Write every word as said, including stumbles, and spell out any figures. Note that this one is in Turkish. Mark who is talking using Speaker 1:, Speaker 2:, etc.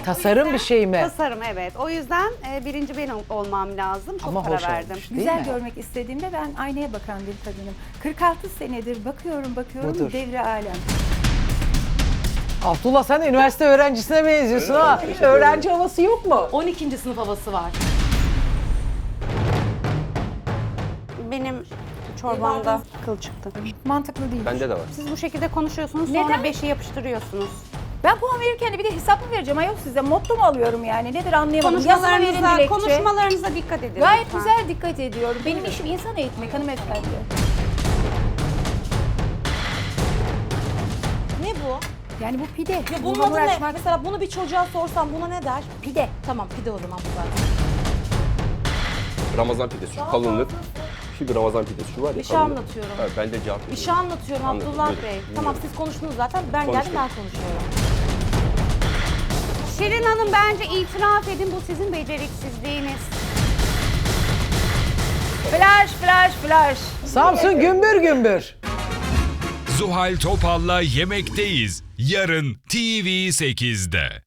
Speaker 1: Tasarım bir şey mi?
Speaker 2: Tasarım evet. O yüzden e, birinci ben ol- olmam lazım. Çok
Speaker 1: Ama
Speaker 2: para
Speaker 1: hoş
Speaker 2: verdim.
Speaker 1: olmuş. Değil
Speaker 3: Güzel
Speaker 1: mi?
Speaker 3: görmek istediğimde ben aynaya bakan bir kadınım. kırk altı senedir bakıyorum bakıyorum
Speaker 1: Budur.
Speaker 3: devre alem.
Speaker 1: Abdullah sen de üniversite öğrencisine benziyorsun ha. Hiç öğrenci havası yok mu?
Speaker 4: on ikinci sınıf havası var.
Speaker 2: Benim çorbamda kıl çıktı.
Speaker 3: Mantıklı değil.
Speaker 5: Bende de var.
Speaker 2: Siz bu şekilde konuşuyorsunuz sonra
Speaker 3: Neden?
Speaker 2: beşi yapıştırıyorsunuz.
Speaker 3: Ben puan verirken de bir de hesap mı vereceğim ayol size? Motto mu alıyorum yani? Nedir anlayamadım. Yazıma verin
Speaker 2: Konuşmalarınıza,
Speaker 3: dilekçe.
Speaker 2: konuşmalarınıza dikkat edin.
Speaker 3: Gayet
Speaker 2: lütfen.
Speaker 3: güzel dikkat ediyorum. Benim işim insan eğitmek hanımefendi.
Speaker 4: Ne bu?
Speaker 3: Yani bu pide.
Speaker 4: Ya bunun
Speaker 3: Bununla
Speaker 4: adı ne?
Speaker 3: uğraşmak
Speaker 4: Mesela bunu bir çocuğa sorsam buna ne der?
Speaker 3: pide.
Speaker 4: Tamam pide o zaman bu zaten.
Speaker 5: Ramazan pidesi şu kalınlık. Şu bir Ramazan pidesi şu var ya.
Speaker 4: Bir şey
Speaker 5: kalınlık.
Speaker 4: anlatıyorum.
Speaker 5: Evet, ben de cevap
Speaker 4: Bir
Speaker 5: veriyorum.
Speaker 4: şey anlatıyorum
Speaker 5: Anladım,
Speaker 4: Abdullah
Speaker 5: buyurun,
Speaker 4: Bey.
Speaker 5: buyurun.
Speaker 4: Tamam siz konuştunuz zaten. Ben geldim
Speaker 5: Konuştum.
Speaker 4: ben konuşuyorum.
Speaker 2: Şirin Hanım bence itiraf edin bu sizin beceriksizliğiniz.
Speaker 3: Flash flash flash.
Speaker 1: Samsun gümbür gümbür.
Speaker 6: Zuhal Topal'la Yemekteyiz. Yarın T V sekizde.